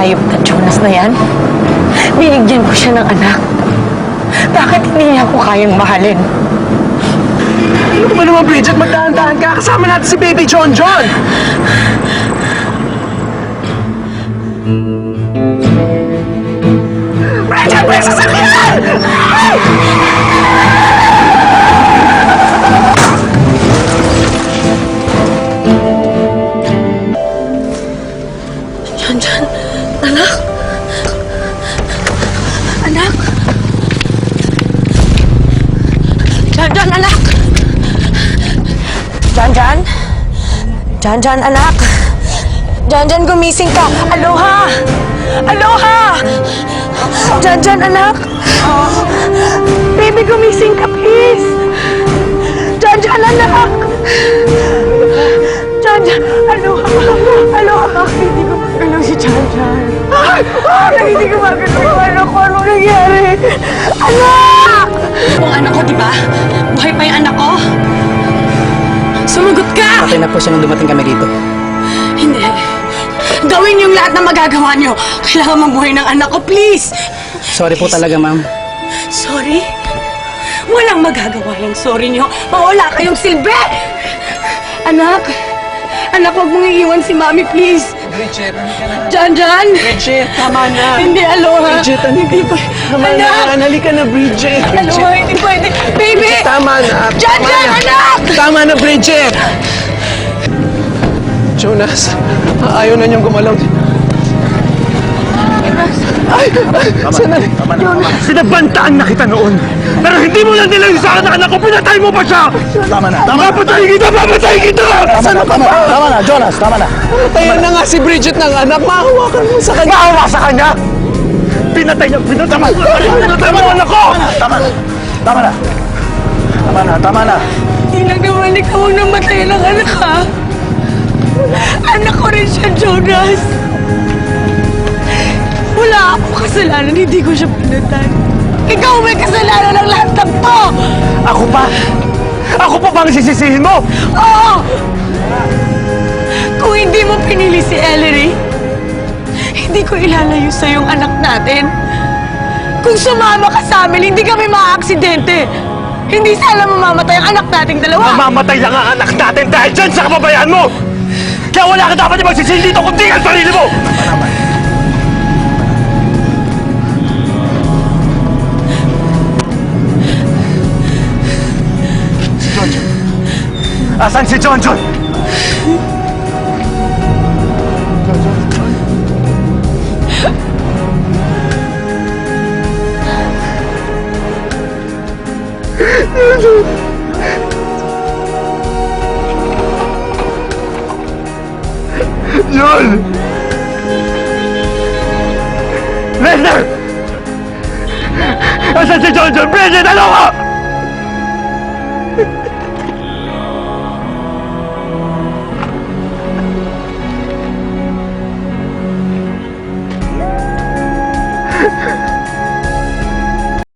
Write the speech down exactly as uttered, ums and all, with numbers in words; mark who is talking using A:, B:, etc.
A: hayop na Jonas na yan? Binigyan ko siya ng anak. Bakit hindi niya ako kayang mahalin?
B: Ano ba naman, Bridget? Magdahan-dahan ka. Kasama natin si Baby John John. Bridget, may sasakyan!
A: John John, anak? Anak? John John, anak! John John? John John, anak! John John, gumising ka! Aloha! Aloha! John John, anak! Baby, gumising ka, please! John John, anak! John John, aloha! Aloha! Hindi ko magalaw si John John. Hindi ko magalaw yung anak ko. Anong nangyari? Anak! Ang anak ko, di ba? Buhay pa yung anak ko? Sumagot ka!
B: Patay na po siya nung dumating kami dito.
A: Hindi. Gawin yung lahat na magagawa niyo. Kailangan mabuhay ng anak ko, please!
B: Sorry po talaga, ma'am.
A: Sorry? Walang magagawa yung sorry niyo. Mawala kayong silbi! Anak! Anak, huwag mong iiwan si Mami, please!
B: Bridget,
A: Jan, Jan!
B: Bridget, tama na.
A: Hindi, aloha!
B: Bridget,
A: hindi pa...
B: Tama
A: Anak!
B: na, halika na, Bridget.
A: Aloha, hindi pwede! Baby!
B: Tama na.
A: Jan,
B: tama
A: Jan,
B: na.
A: anak!
B: Tama na, Bridget! Jonas, ayaw na niyang gumalaw. Ay! Ay! Sanali! Sinabantaan na kita noon! Pero hindi mo lang nilang sa akin anak ko! Pinatay mo pa siya!
C: Tama na, tama na.
B: Papatay kita! Papatay kita!
C: Tama na, tama na, tama na, Jonas, tama na.
B: Patayan na nga si Bridget ng anak! Mahawakan mo sa kanya! Mahawa sa kanya? Pinatay niya! Pinatay mo! Pinatay mo anak ko!
C: Tama na, tama na. Tama na, tama na.
A: Hindi lang naman ikaw ang namatay ng anak, ha? Anak ko rin siya, Jonas! Wala akong kasalanan, hindi ko siya pinatay. Ikaw may kasalanan ng lahat ng to!
B: Ako pa? Ako pa bang sisisihin mo?
A: Oo! Kung hindi mo pinili si Ellery, hindi ko ilalayo sa yung anak natin. Kung sumama ka sa amin, hindi kami maaaksidente. Hindi sana mamamatay ang anak nating dalawa.
B: Mamamatay lang ang anak natin dahil dyan sa kababayan mo! Kaya wala ka dapat yung magsisihin dito kundi ang sarili mo! Asan si John John? John! Lester! Asan si John John? Bridget, ano ka?